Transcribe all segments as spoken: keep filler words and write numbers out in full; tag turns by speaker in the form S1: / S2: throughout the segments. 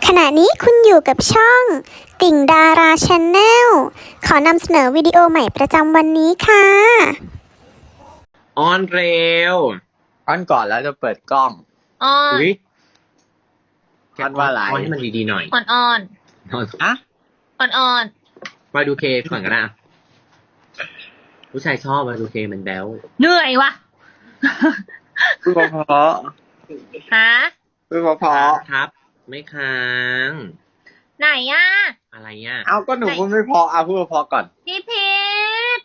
S1: ณะนี้คุณอยู่กับช่องติ่งดาราชาแนลขอนำเสนอวิดีโอใหม่ประจำวันนี้ค่ะ
S2: ออนเร็ว
S3: อ้อนก่อนแล้วจะเปิดกล้อง
S4: อ้อน
S2: อุ้ย
S3: อ้อนว่าอะไร
S2: อ้อนให้มันดีๆหน่อย
S4: อ่อนอ่อน
S2: อ้อน
S3: อะ
S4: อ่อนอ่อน
S2: มาดูเคก่อนก็ได้อะผู้ชายชอบมาดูเคมันแบ๊ว
S4: เหนื่อยวะ
S3: พูดเพราะ
S4: ฮะ
S3: ๆพูดเพราะ
S2: ครับ ไม่ค้าง
S4: ไหนอ่ะ
S2: อะไรอ่ะ
S3: ๆเอาก็หนูพูดไม่เพราะเอาพูดเพราะๆก่อน
S4: พี่พีท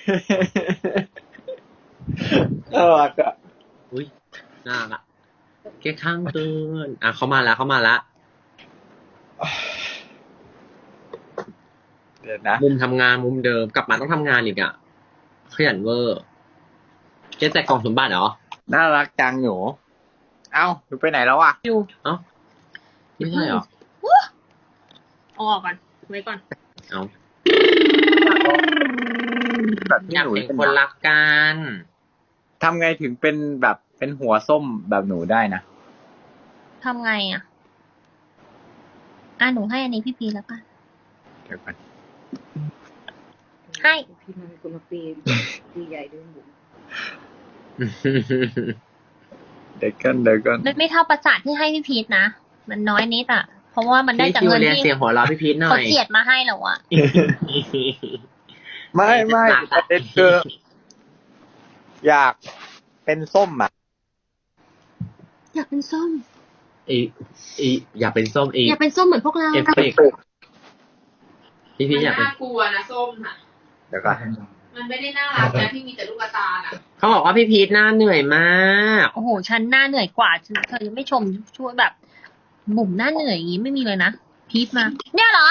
S3: เออก็
S2: อุ้ยน่ารักแค่ข้างเกินอ่ะเขามาแล้วเขามาแล้ว
S3: เดี๋ยวนะ
S2: มุมทำงานมุมเดิมกลับมาต้องทำงานอีกอ่ะขยันเวอร์เจ๊แจกกล่องสมบัติเหรอ
S3: น่ารักจังหนู เอ้าหนูไปไหนแล้วอ่ะ
S4: อยู่
S2: เอ้าไม่ใช่เหรอ
S4: เอาออกก่อนไว้ก่อน
S2: เอ้า
S3: แบบที่
S2: อยาก
S3: หนู
S2: เป็น
S3: เป็น
S2: คนรักกัน
S3: ทำไงถึงเป็นแบบเป็นหัวส้มแบบหนูได้นะ
S4: ทำไงอ่ะ อ่ะหนูให้อันนี้พี่พีทแล้วกัน
S3: เดี๋ยวก่อน
S4: ให้
S5: พี่มันเป็นคนมาปีนปีใหญ่ด้วยหมู
S3: เดี๋ยวกันเดี๋ยวกัน
S4: ไม่ไม่เท่าประสาทที่ให้พี่พีทนะ มันน้อยนิดอ่ะ เพราะว่ามันได้
S2: พี่
S4: จาก
S2: คิว
S4: เงิน
S2: เรียน
S4: ที่
S2: เสียงหัวเราะพี่พีทหน่
S4: เขา
S2: อย
S4: เจียดมาให้เราอ่ะ
S3: ไม่ไม่ประเด็นคืออยากเป็นส้มอ่ะ
S4: อยากเป็นส้ม
S2: อีอีอยากเป็นส้มอี
S4: อยากเป็นส้มเหมือนพวกเรา
S2: เอฟเฟกต์พี่พีทอยากเป็น
S5: น่ากลัวนะส้มน่ะ
S3: เดี๋ยวก่อน
S5: มันไม่ได้น่ารักนะที่มีแต่ลูกตาน่ะ
S2: เขาบอกว่าพี่พีทหน้าเหนื่อยมาก
S4: โอ้โห ฉันหน้าเหนื่อยกว่าเธอเธอยังไม่ชมช่วยแบบ บุ๋มหน้าเหนื่อยอย่างนี้ไม่มีเลยนะ พีทมา เนี่ยเหรอ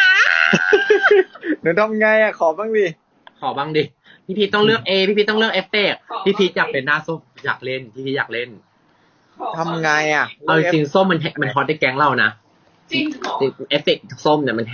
S3: หนูทำไงอ่ะขอบ้างดิ
S2: ขอบ้างดิ พี่พีทต้องเลือกเอพี่พีทต้องเลือกเอฟเฟกต์พี่พีทอยากเป็นหน้าส้มอยากเล่นพี่พีทอยากเล่น
S3: ทำไงอ่ะ
S2: เอาจริงๆส้มมันแฮมันฮอตในแก๊งเรานะ
S5: จริงเหรอ
S2: เอฟเฟกต์ส้มเนี่ยมันแฮ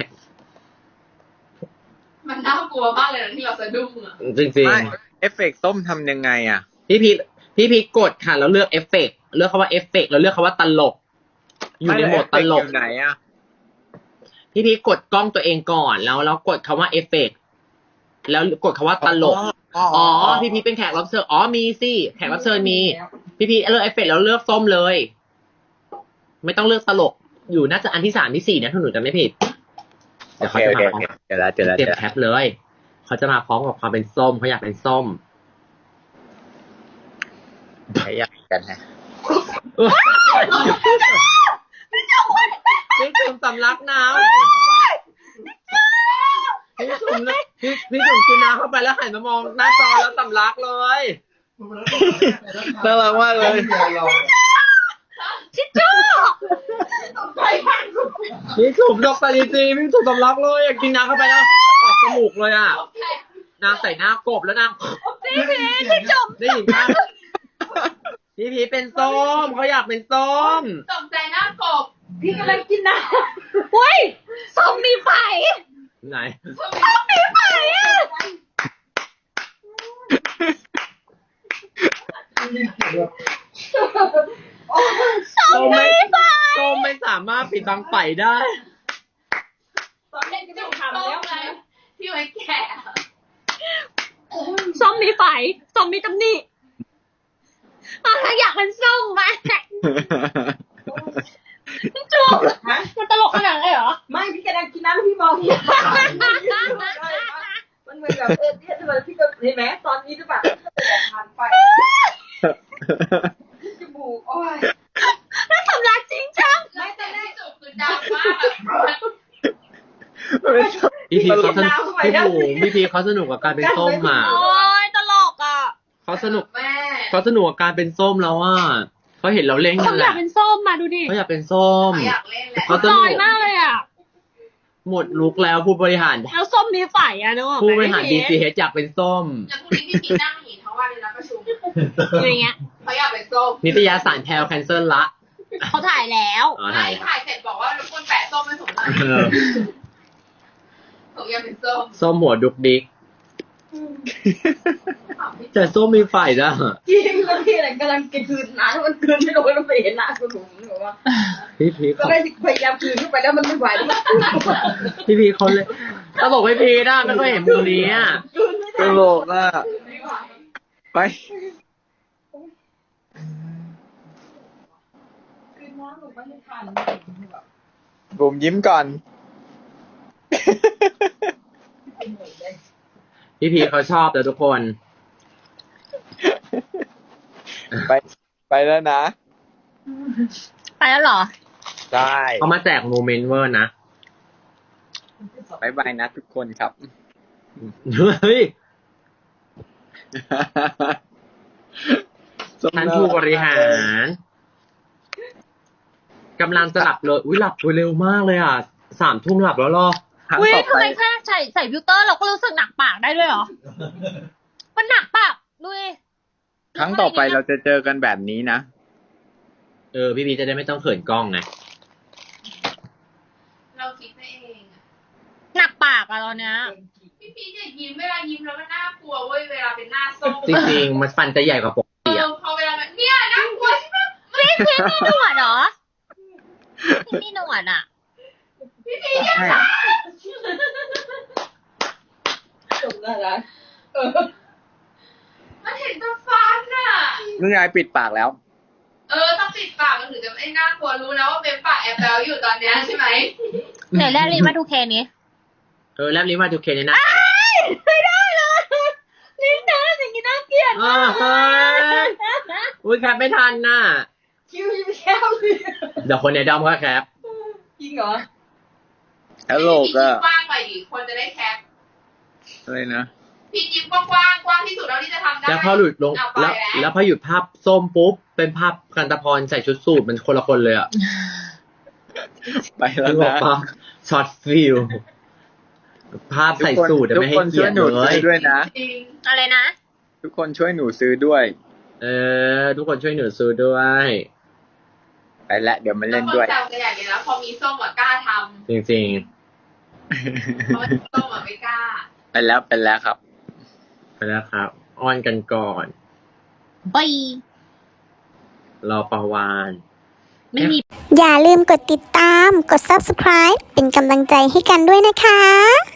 S5: มันน่ากลัวมากเลยนะที่เราสะดุ้งอ่ะ
S2: จริง
S3: ไม่เอฟเฟกต์ส้มทำยังไงอ่ะ
S2: ๆพี่พีทพี่พีทกดค่ะแล้วเลือกเอฟเฟกต์เลือกคำว่าเอฟเฟกต์แล้วเลือกคำว่าตลก อยู่ในโหมดตลก
S3: อยู่ไหนอ่ะ
S2: พี่พีทกดกล้องตัวเองก่อนแล้วแล้วกดคำว่าเอฟเฟกต์แล้วกดคำว่าตลก อ๋อ พี่พีทเป็นแขกรับเชิญ อ๋อ มีสิ แขกรับเชิญมี พี่พีทเลือกเอฟเฟกต์แล้วเลือกส้มเลย ไม่ต้องเลือกตลก อยู่น่าจะอันที่สามที่สี่นะถ้าหนูจำไม่ผิด เดี๋ยวเขาจะมาพร้อม
S3: เจอแล้วเจอแล้ว
S2: เตรีย
S3: เจ
S2: ม
S3: อ
S2: แคปเลย เขาจะมาพร้อมกับความเป็นส้มเขาอยากเป็นส้ม
S3: ใช้ยากกันฮะ
S2: พี่จุ่มสำลักน้ำพี่จุ่มเลยพี่พี่จุ่มกินน้ำเข้าไปแล้วหันมามองหน้าจอแล้วสำลักเลย
S3: น่ารักมากเลย
S2: พี่จุ่มดอกตาลีจีพี่จุ่มสำลักเลยอยากกินน้ำเข้าไปแล้วออกจมูกเลยอ่ะนางใส่หน้ากบแล้วนาง
S4: พี่พีทพี่จุ๋ม
S2: ได้ยินปะพี่พีชเป็นส้มเขาอยากเป็นส้ม
S5: ตกใจหน้ากบพี่กำลังกินน้
S4: เฮ้ยส้มมีไฟ
S2: ไหน
S5: ำส้มมีไฟอ่ะ
S2: ส้มไม่ส้มไม่สามารถปิดบังไฟได้
S5: ตอนเล่นจุ่มทำแล้วไงที่ไว้แกะ
S4: ส้มมีไฟส้มมีตำหนิอ่ะอยากเป็นส้มมาพี่จุ๊บมันตลกขนาดนั้นเลยเหรอ
S5: ไม่พี่กำลังกินน้ำแล้วพี่มองพี่มันเหมือนแบบเออเนี่ยทำไมพี่ก็เห็นไหมตอนนี้หรือเปล่าผ่านไปจมูกโอ้ย
S4: น่าสำลักจริงจัง
S5: ไม่แต่แรกจุ่มคือดังมากแบบ
S2: พี่พีชเขาสนุกพี่บุ๋มพี่พีชเขาสนุกกับการเป็นส้มอ่ะ
S4: โอ้ยตลกอ่ะ
S2: เขาสนุก
S5: แม่
S2: เขาสนุกกับการเป็นส้มแล้วอ่ะเขาเห็นเราเล่นกั
S4: เขา
S2: นแห
S4: อยา
S2: ละ
S4: กเป็นส้มมาดูดิ
S2: เขาอยากเป็นส้ม
S5: อยากเล่นแหละ
S2: เขาส
S4: ล
S2: นุ
S4: อก ยมากเลยอ่ะ
S2: หมดลุกแล้วผู้บริหาร
S4: แล้วส้มมีไฟอ่ะนึกออกไหม
S2: ผู้บริหารดี
S4: พี่
S2: ซีเอชอยากเป็นส้ม
S5: แล้วพรุ่งนี้พี่พีนั่งหนีทั้งวันเลยนะประชุม
S4: อย่างเงี้ย
S5: เขาอยากเป็นส้ม
S2: นิตยสารแพลวแคนเซิลละ
S4: เขาถ่ายแล้ว
S2: อ๋อ
S5: ไม่
S2: ถ่าย
S5: ถ่ายเสร็จบอกว่ารบกวนแปะส้มให้ผมหน่อย
S2: เออ
S5: ผมอยากเป็นส้ม
S2: ส้มหัวดุกดิกแต่ส้มมีไฟนะ
S5: จริงแล้วพี่อะไรกำลังจะคืนน้ำมันคืนไม่ลงแล้วไปเห็นหน้าคุณหนูหนูว่า
S2: พี่พี
S5: ก็
S2: เขา
S5: ได้พยายามคืนขึ้นไปแล้วมันไม่ไหวแล้วมัน
S2: พี่พีเขาเลยตลกไม่พีนะไม่เคยเห็นมุมนี้อ่ะ
S5: คืนไม่
S3: ต
S5: ได้
S3: ลกอ่ะ
S5: ไม่ไหว
S3: ไป
S5: คืนน้ำหนูไม่ได้ทันแบบ
S3: บุ๋มยิ้มก่อน
S2: พี่พีเขาชอบแล้วทุกคน
S3: ไปไปแล้วนะ
S4: ไปแล้วเหรอ
S3: ได้
S2: เขามาแจกโมเมนต์เวอร์นะ
S3: บายบายนะทุกคนครับ
S2: เฮ้ย
S3: ส้ม
S2: ท่านผู้บริหารกำลังจะหลับเลยอุ้ยหลับเร็วมากเลยอ่ะสามทุ่มหลับแล้วเหรอ
S3: ครั้ง
S4: อุ้ย
S3: ต่อ
S4: ทำ
S3: ไป
S4: ไมแค่ใส่ใส่ฟิลเตอร์เราก็รู้สึกหนักปากได้ด้วยเหรอ มันหนักปากดูดิ
S3: ครั้งต่อไปเราจะเจอกันแบบนี้นะ
S2: เออพี่พีจะได้ไม่ต้องเขินกล้องไง
S5: เราคิดไปเองอะ
S4: หนักปากอะตอนเนี้ย
S5: พี่พีชอย่ายิ้มเวลายิ้มแล้วมันน่ากลัวเว้ยเวลาเป็นหน้าส้ม
S2: จริงๆมันฟันจะใหญ่กว่าปก
S5: เอ
S2: ติ
S5: อ
S2: อ่ะ
S5: พอเวลาแบบเนี่ยน่ากลัวใช่ไหม
S4: พี่พี่มีหนวดเหรอพี่มีหนวดอ่ะ
S5: พี่พีชอย่า
S3: ใช่
S5: จบแล้วนะเออมันเห็นแตะฟันน่ะ
S3: นุ่นยายปิดปากแล้ว
S5: เออต้องปิดปากมันถึงจะไม่น่ากลัวรู้นะว่าเป็นปากแอบแบลอยู่ตอนเนี้ยใช่ไหม
S4: ไหนแรกรีมาทูเคนี้
S2: เออแลบลิ้นมาดูเคเนี่ยนะ
S4: ไม่ได้เลยลิ้นเธออย่างนี้น่าเกลียด
S2: อ้าวเฮ้ยอุ้ยแคปไม่ทันน่ะ
S5: คิวยิ้มแย้มเลย
S2: เดี๋ยวคนในดอมก็แคป
S5: จริงเหรอ
S3: ตลกอ่ะ
S5: พี่ยิ้มกว้างไปดิคนจะได้แคป
S3: อะไรนะ
S5: พี่ยิ้มกว้างๆกว้างที่สุดเท่าที่จะทำได้
S2: แล้วพอหลุดลง
S5: เอาไป
S2: แล้ว
S5: แล้ว
S2: แล้วพอหยุดภาพส้มปุ๊บเป็นภาพกันตะพรใส่ชุดสูทมันคนละคนเลยอ่ะ
S3: ไปแล้ว
S2: นึกออก
S3: นะ
S2: ปะช็อตฟิลภาพใส่สูทอะ
S3: ทุก
S2: ไม่ให้
S3: คน
S2: เกี
S3: ช่
S2: ย
S3: วย
S2: รติ
S3: หนู
S2: เล
S3: ซื้
S2: ย
S3: อด้วยนะ
S5: จริง
S4: อะไรนะ
S3: ทุกคนช่วยหนูซื้อด้วย
S2: เออ ทุกคนช่วยหนูซื้อด้วย
S3: ไปละเดี๋ยวมา
S5: แล้
S3: เล่
S5: วน คน
S3: ด้วย
S5: แซวกันใหญ่เลยนะพอมีส้มอะกล้าท
S2: จริง
S5: ำเพราะส้มอะไม่กล้า
S3: ไปแล้วไปแล้วครับ
S2: ๆไปแล้วครับ อ้อนกันก่อน
S4: บาย
S2: รอประวาน
S4: ไม่มี
S1: อย่าลืมกดติดตาม กด ซับสไครบ์ เป็นกำลังใจให้กันด้วยนะคะ